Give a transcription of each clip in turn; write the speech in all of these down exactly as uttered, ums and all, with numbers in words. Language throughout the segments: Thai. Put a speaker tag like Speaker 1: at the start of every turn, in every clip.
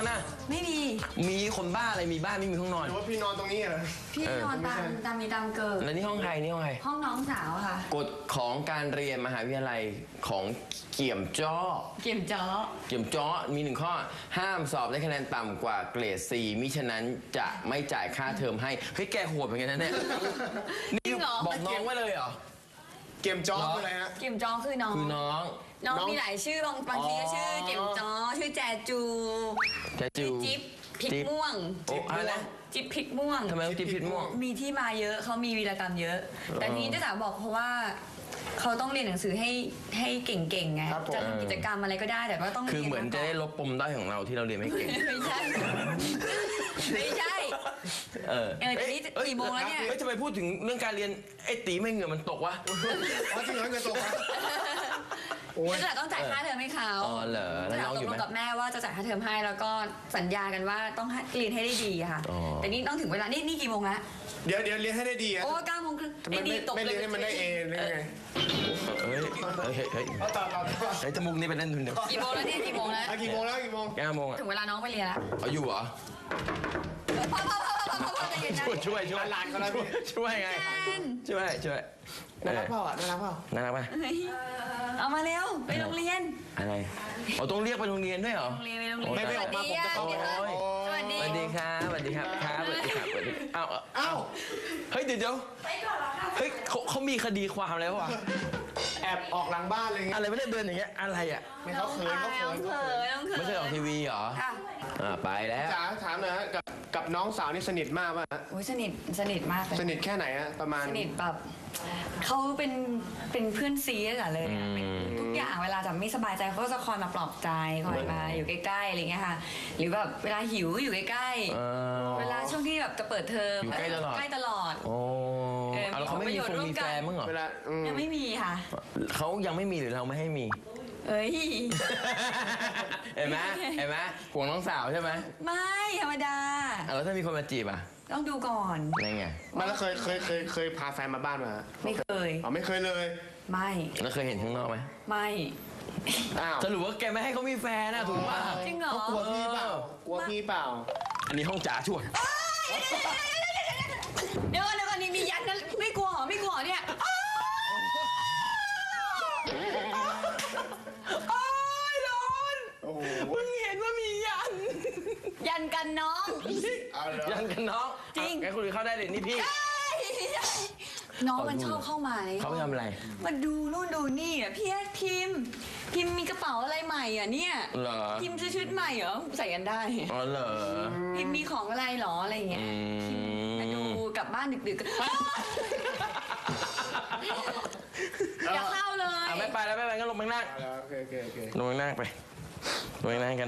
Speaker 1: อนน่ะ
Speaker 2: ไม่มี
Speaker 1: มีคนบ้าอะไรมีบ้านไม่มีห้องนอน
Speaker 3: หรือว่าพี่นอนตรงนี้เหรอ
Speaker 2: พี่นอนตามตามมีตามเกิด
Speaker 1: แล้วนี่ห้องใครนี่ห้องใคร
Speaker 2: ห้องน้องสาวค่ะ
Speaker 1: กฎของการเรียนมหาวิทยาลัยของเกี่ยมจ้อ
Speaker 2: เกี่ยมจ้อ
Speaker 1: เกี่ยมจ้อมีหนึ่งข้อห้ามสอบได้คะแนนต่ำกว่าเกรด สี่มิฉะนั้นจะไม่จ่ายค่าเทอมให้เฮ้ยแกโหดเหมือนกันนะเนี่ยนี่บอกน้องไว้เลยเหรอ
Speaker 3: เกี่ยมจ้อคืออะไรฮะ
Speaker 2: เกี่ยมจ้อคือน้อง
Speaker 1: คือน้อง
Speaker 2: น้องมีหลายชื่อบางบางทีก็ชื่อเกี่ยมจ้อชื่อแจจู
Speaker 1: แจจู
Speaker 2: จิ๊บพริกม่วง
Speaker 1: จิ๊บอะไร
Speaker 2: จิ๊บพริกม่วง
Speaker 1: ทำไมต้องจิ๊บพริกม่วง
Speaker 2: มีที่มาเยอะเขามีวีรกรรมเยอะแต่ทีนี้เจ้าสาวบอกเพราะว่าเขาต้องเรียนหนังสือให้ให้เก่งๆไงจะทำกิจกรรมอะไรก็ได้แต่ว่าต้อง
Speaker 1: คือเหมือนจะได้ลบปมด้อยของเราที่เราเรียนไม่เก่ง
Speaker 2: ไม่ใช่ไม่ใช่เออเออนี่กี่โมงแล้วเนี่ย
Speaker 1: เฮ้ยทำไมพูดถึงเรื่องการเรียนไอ้ตีไม่เหงื่อมันตกวะ
Speaker 3: อ๋อจริงเหรอเหงื่อตกวะ
Speaker 2: โอ้ยจะต้องจ่ายค่าเทอมให้เขา
Speaker 1: อ๋อเหรอแล้วน้องอยู่ไหม
Speaker 2: ตกลงกับแม่ว่าจะจ่ายค่าเทอมให้แล้วก็สัญญากันว่าต้องเรียนให้ได้ดีค่ะแต่นี่ต้องถึงเวลานี่นี่กี่โมงละ
Speaker 3: เดี๋ยวเดี๋ยวเรียนให้ได้ดีอะ
Speaker 2: โอ้เก้าโมงครึ่ง
Speaker 3: ไม่ดีตกไม่เรียนให้มันได้เอหรือไง
Speaker 1: เฮ้ยเฮ้ยเฮ้ย
Speaker 3: เอาต่อต่อ
Speaker 1: ไอ้จมูกนี่เป็นเล่นทุนเดียว
Speaker 2: กี่โมงแล้วเนี่ยกี่โมงแล้ว
Speaker 3: กี่โมงแล้วกี่โมง
Speaker 1: เก้าโมง
Speaker 2: ถึงเวลาน้องไปเรียนแล้ว
Speaker 1: เอาอยู่เหรอ
Speaker 2: พ่อพ่อพ่อพ่อพ่อพ่อใจเย็นนะ
Speaker 1: ช่วยช่วยช่วย
Speaker 3: หลานเขาแล้ว
Speaker 1: ช่วยไงช่วยช่วย
Speaker 3: น่ารักเปล่าอ่ะน่ารักเปล่า
Speaker 1: น่ารักป่ะ
Speaker 2: เอามาเร็วไปโรงเรียน
Speaker 1: อะไรอ๋อต้องเรียกไปโรงเรียนด้วยเหรอ
Speaker 2: โรงเรียนไปโรงเรียน
Speaker 3: ไม่ไม่ออกมาผมจะเข้า
Speaker 2: สวัสดี
Speaker 1: สวัสดีครับสวัสดีครับครับสวัสดีครับอ้าว
Speaker 3: อ้าว
Speaker 1: เฮ้ยเดี๋ยวเดี๋ยวเฮ้ยเขาเขามีคดีความแล้ววะ
Speaker 3: แอบออกหลังบ้านเลย
Speaker 1: อะไรไม่ได้เดินอย่างเงี้ยอะไรอ่ะ
Speaker 3: ไม่เขาเขินเขาเขิน
Speaker 1: ไม่เคยออกทีวีเหรออ่าไปแล้ว
Speaker 3: จ๋าถามหน่อยฮะกับกับน้องสาวนี่สนิทมากป่ะ
Speaker 2: โอ้ยสนิทสนิทมากเลย
Speaker 3: สนิทแค่ไหนฮะประมาณ
Speaker 2: สนิทแบบเขาเป็นเป็นเพื่อนซีกันเลยทุกอย่างเวลาจะไม่สบายใจเขาก็จะคอยมาปลอบใจคอยมาอยู่ใกล้ๆอะไรเงี้ยค่ะหรือแบบเวลาหิวอยู่ใกล้ๆเวลาช่วงที่แบบจะเปิดเทอม
Speaker 1: อยู่ใกล้ตลอด
Speaker 2: ใกล้ตลอด
Speaker 1: โอ้แล้วเขาไม่มีคนมีแฟนมั้งเหรอ
Speaker 3: เวลา
Speaker 2: ยังไม่มีค่ะ
Speaker 1: เขายังไม่มีหรือเราไม่ให้มี
Speaker 2: เอ้ย
Speaker 1: เห็นไหมเห็นไหมห่วงน้องสาวใช่ไหม
Speaker 2: ไม่ธรรมดา
Speaker 1: แล้วถ้ามีคนมาจีบอ่ะ
Speaker 2: ต้องดูก่อน
Speaker 1: ไงไง
Speaker 3: มาแล้วเคยเคยเคยเคยพาแฟนมาบ้านมา
Speaker 2: ไม่เคย
Speaker 3: อ๋อไม่เคยเลย
Speaker 2: ไม่
Speaker 1: แล้วเคยเห็นข้างนอกไหม
Speaker 2: ไม่
Speaker 3: อ้าว
Speaker 1: สรุปว่าแกไม่ให้เขามีแฟนนะถูกป่ะ
Speaker 2: จริงเหรอก
Speaker 3: ลัวพี่เปล่ากลัวพี่เปล่า
Speaker 1: อันนี้ห้องจ๋าชวน
Speaker 2: เดี๋ยวก่อนเดี๋ยวก่อนนี่มียันนะไม่กลัวหรอไม่กลัวเนี่ย
Speaker 1: มึงเห็นว่ามียัน
Speaker 2: ยันกันน้อง
Speaker 1: ยันกันน้อง
Speaker 2: จริง
Speaker 1: แกคุณเข้าได้เลยนี่พี่
Speaker 2: น้องมันชอบเข้ามาเลย
Speaker 1: เขาทำอะไร
Speaker 2: มาดูนู่นดูนี่อ่ะพี่พิมพิมมีกระเป๋าอะไรใหม่อ่ะเนี่ยพิมซื้อชุดใหม่เหรอใส่กันได้
Speaker 1: อ๋อเหรอ
Speaker 2: พิมมีของอะไรหรออะไรเงี้ยมาดูกลับบ้านดึกๆอย่าเข้าเลย
Speaker 1: ไม่ไปแล้วไม่ไปก็ลงไปนั่งลงไปนั่งไปลงไปนั่งกัน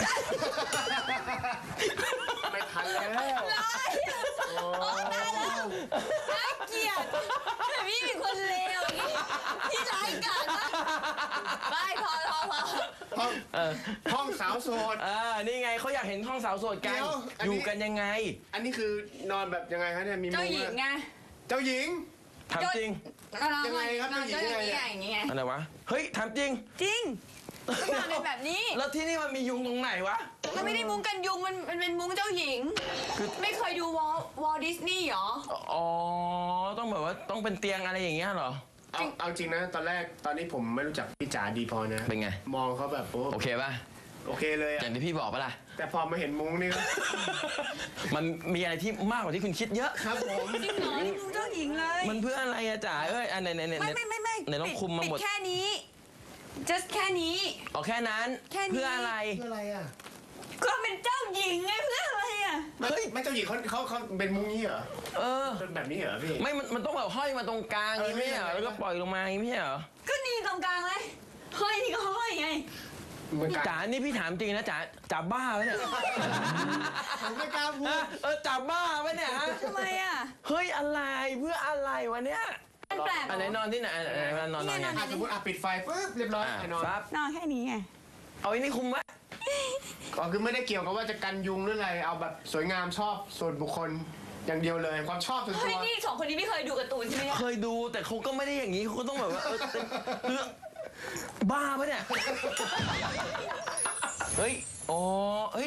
Speaker 3: ไม่ทันแล้ว
Speaker 2: โอ้ตายแล้วน่าเกลียดพี่เป็นคนเลวที่ร้ายกาจมากไม่พอพอพอ
Speaker 3: ห้องห้องสาวโสด
Speaker 1: อ่านี่ไงเขาอยากเห็นห้องสาวโสดกันอยู่กันยังไง
Speaker 3: อันนี้คือนอนแบบยังไงคะเนี่ยมีมุ้ง
Speaker 2: เจ้าหญิงไง
Speaker 3: เจ้าหญิง
Speaker 1: ถามจริง
Speaker 3: ยังไงครับเจ้าหญิงยังไง
Speaker 2: อย่างเงี้ย
Speaker 1: อะไรวะเฮ้ยถามจริง
Speaker 2: จริงนอนเป็นแบบนี้
Speaker 1: แล้วที่นี่มันมียุงตรงไหนวะ
Speaker 2: มันไม่ได้มุ้งกันยุงมันมันเป็นมุ้งเจ้าหญิงไม่เคยดูวอลวอลดิสนีย์หรอ
Speaker 1: อ๋อต้องแบบว่าต้องเป็นเตียงอะไรอย่างเงี้ยหรอ
Speaker 3: เอาเอาจริงนะตอนแรกตอนนี้ผมไม่รู้จักพี่จ๋าดีพอนะ
Speaker 1: เป็นไง
Speaker 3: มองเขาแบบ
Speaker 1: โอเคป่ะ
Speaker 3: โอเคเลย
Speaker 1: อย่างที่พี่บอกป่ะล่ะ
Speaker 3: แต่พอมาเห็นมุ้งนี่
Speaker 1: มันมีอะไรที่มากกว่าที่คุณคิดเยอะ
Speaker 3: ครับผม
Speaker 2: จริงเหรอมุ้งเจ้าหญิงเลย
Speaker 1: มันเพื่ออะไรอะจ๋าเอ้ยอันไหนไหนไหน
Speaker 2: ไม่ไม่ไม่ไม่
Speaker 1: ไหนต้องคุมมาหมด
Speaker 2: แค่นี้ just แค่นี้
Speaker 1: อ๋อแค่นั้นเพื่ออะไร
Speaker 3: เพื่ออะไรอ่ะ
Speaker 2: ก็เป็นเจ้าหญิงไงเพื่ออะไรอ่ะ
Speaker 3: เฮ้ยไม่เจ้าหญิงเขาเขาเขาเป็นมุ้งนี้เหรอ
Speaker 1: เออ
Speaker 3: เป็นแบบนี้เหรอพี่
Speaker 1: ไม่มันมันต้องแบบห้อยมาตรงกลางอย่างนี้เหรอแล้วก็ปล่อยลงมาอย่างนี้เหรอ
Speaker 2: ก็นี่ตรงกลางเลยห้อยนี่ก็ห้อยไง
Speaker 1: จ๋านี่พี่ถามจริงนะจ๋าจ๋าบ้าไหมเนี่ย
Speaker 3: ผมไม่กล้าพูด
Speaker 1: เออจ๋าบ้าไหมเนี่ยฮะ
Speaker 2: ทำไมอ่ะ
Speaker 1: เฮ้ยอะไรเพื่ออะไรวะเนี่ย
Speaker 2: มันแปลก
Speaker 1: อันไหนนอนที่ไหนนอนนอนไง
Speaker 3: สมมติอ่ะปิดไฟปุ๊บเรียบร้อยนอน
Speaker 2: นอนแค่นี้ไง
Speaker 1: เอาไอ้นี่คุมไว้
Speaker 3: ก็คือไม่ได้เกี่ยวกับว่าจะกันยุงหรืออะไรเอาแบบสวยงามชอบส่วนบุคคลอย่างเดียวเลยความชอบส่วนตัว
Speaker 2: เฮ้ยนี่สองคนนี้ไม่เคยดูการ์ตูนใช่ไหม
Speaker 1: เคยดูแต่เขาก็ไม่ได้อย่างนี้เขาก็ต้องแบบว่าเออบ้าปะเนี่ยเฮ้ยอ๋อเฮ้ยอ๋อ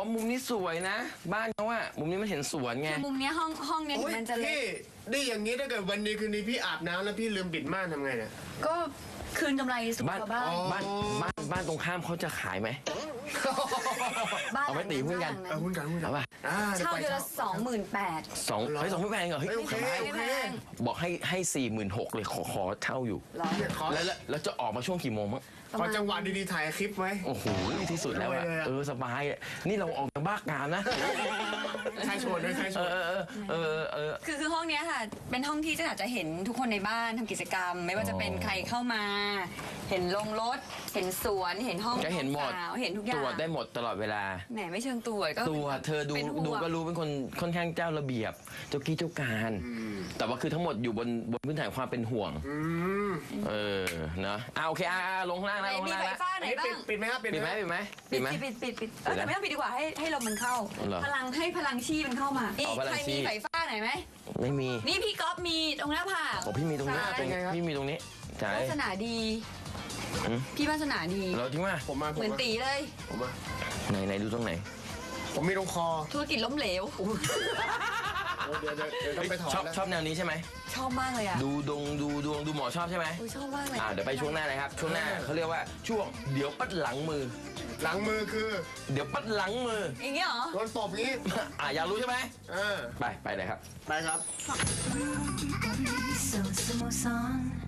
Speaker 1: มุมนี้สวยนะ บ้านเขาอะมุมนี้มันเห็นสวนไง
Speaker 2: คือมุมเนี้ยห้องห้องเนี้ย
Speaker 3: โอ้
Speaker 2: ถึ
Speaker 3: ย
Speaker 2: งมันจะเล็
Speaker 3: พี่
Speaker 2: ก
Speaker 3: นี่อย่างนี้ถ้าเกิดวันนี้คืนนี้พี่อาบน้ำแล้วพี่ลืมปิดม่านทำไงเนี่ย
Speaker 2: ก็คืนกำไรสู่
Speaker 1: บ้าน
Speaker 2: ชาวบ้าน
Speaker 1: บ้านบ้านบ้านตรงข้ามเขาจะขายไหม
Speaker 2: บ้าน
Speaker 1: เอาไว้ตีหุ้นกัน
Speaker 3: เออหุ้นกันหุ้นกัน
Speaker 1: เอาป่ะ
Speaker 3: อ่า
Speaker 2: เช่าเดือนละสองหมื่นแปด
Speaker 1: สองเฮ้ยสองไม่แพงเหรอเฮ้ย
Speaker 3: โอเค
Speaker 1: สบาย
Speaker 3: โอเค
Speaker 1: บอกให้ให้สี่หมื่นหกเลยขอขอเช่าอยู่
Speaker 3: เนี่ยขอ
Speaker 1: แล้วแล้วแล้วจะออกมาช่วงกี่โมงมั้ง
Speaker 3: ขอจังหวะดีๆถ่ายคลิปไว้
Speaker 1: โอ้โหที่สุดแล้วอะ
Speaker 3: เลยอะ
Speaker 1: เออสบายอะนี่เราออกจากบ้ากามนะ
Speaker 3: ใช่ชวนด้วยใช่ช
Speaker 1: เอ
Speaker 3: วน
Speaker 1: อเออเออเออเออ
Speaker 2: คือคือห้องเนี้ยค่ะ เป็นห้องที่จะอาจจะเห็นทุกคนในบ้านทำกิจกรรม ไม่ว่าจะเป็นใครเข้ามา เห็นลงรถ เห็นสวน เห็นห้อง
Speaker 1: จะเห็นหมด
Speaker 2: สาวเห็นทุกอย่า
Speaker 1: ต
Speaker 2: ง
Speaker 1: รวจได้หมดตลอดเวลา
Speaker 2: แหมไม่เชิงตรวจก็
Speaker 1: ตัวเธอดู
Speaker 2: เป็นห่วง
Speaker 1: ดูก็รู้เป็นคนค่อนข้างเจ้าระเบียบ เจ้ากี้เจ้าการ แต่ว่าคือทั้งหมดอยู่บนบนพื้นฐานความเป็นห่วง
Speaker 3: อืม
Speaker 1: เออเนอะอ่าโอเคอ่าลงข้างล่าง
Speaker 2: ไหน
Speaker 1: นะลง
Speaker 2: มี
Speaker 1: ข้างล่าง
Speaker 2: ไฟ
Speaker 1: นะ
Speaker 2: ฟ้า
Speaker 3: อัน
Speaker 2: ไหน
Speaker 3: นี้
Speaker 2: บ้า
Speaker 3: ปิด
Speaker 2: ง
Speaker 3: ปิดไหมครับปิด
Speaker 1: ปิดไห
Speaker 3: ไห
Speaker 1: ม
Speaker 3: ม
Speaker 1: ปิดไหม
Speaker 2: ปิ
Speaker 1: ปิ
Speaker 2: ด
Speaker 1: ดไหม
Speaker 2: ปิดปิดปิดเออแต่ไม่ต้องปิดดีกว่าให้ให้ลมมันเข้า
Speaker 1: เหรอ
Speaker 2: พลังให้พลังชีมันเข้ามาอี
Speaker 1: อ๋อกพลัง
Speaker 2: ใคร
Speaker 1: ชี
Speaker 2: มีไฟฟ้าไหนไหม
Speaker 1: ไม่มี
Speaker 2: นี่พี่ก๊อฟมีตรงหน้าผาก
Speaker 1: โอ้พี่มีตรงนี้
Speaker 2: ใช่
Speaker 1: ตรงพี่มีตรงนี้ใช่
Speaker 2: วาสนาดี
Speaker 1: หืม
Speaker 2: พี่วาสนาดี
Speaker 1: เราทิ้งมา
Speaker 3: ผมมาผม
Speaker 2: เหมือน
Speaker 3: มา
Speaker 2: ตีเลย
Speaker 3: ผมมา
Speaker 1: ไหนไหนดูตรงไหน
Speaker 3: ผมมีตรงคอ
Speaker 2: ธุรกิจล้มเหลว
Speaker 3: โอ้เดี๋ยวเดี๋ยวเดี๋ยวต้องไปถอน
Speaker 1: ชอบ
Speaker 3: แล้ว
Speaker 1: ชอบแนวนี้ใช่ไหม
Speaker 2: ชอบมากเลยอ่ะ
Speaker 1: ดูดวงดูดวงดูหมอชอบใช่ไหม
Speaker 2: อุ๊ยชอบมากเลย
Speaker 1: อ่าเดี๋ยวไปช่วงหน้าเลยครับ ช่วงหน้าเขาเรียกว่าช่วงเดี๋ยวปัดหลังมือ
Speaker 3: หลังมือคือ
Speaker 1: เดี๋ยวปัดหลังมือ
Speaker 2: อย่างเงี้ยเหรอ
Speaker 3: โดนตบงี้
Speaker 1: อ่าอยากรู้ใช่ไหม
Speaker 3: เออ
Speaker 1: ไปไปเลยครับ
Speaker 3: ไปครับ
Speaker 4: So, so, song.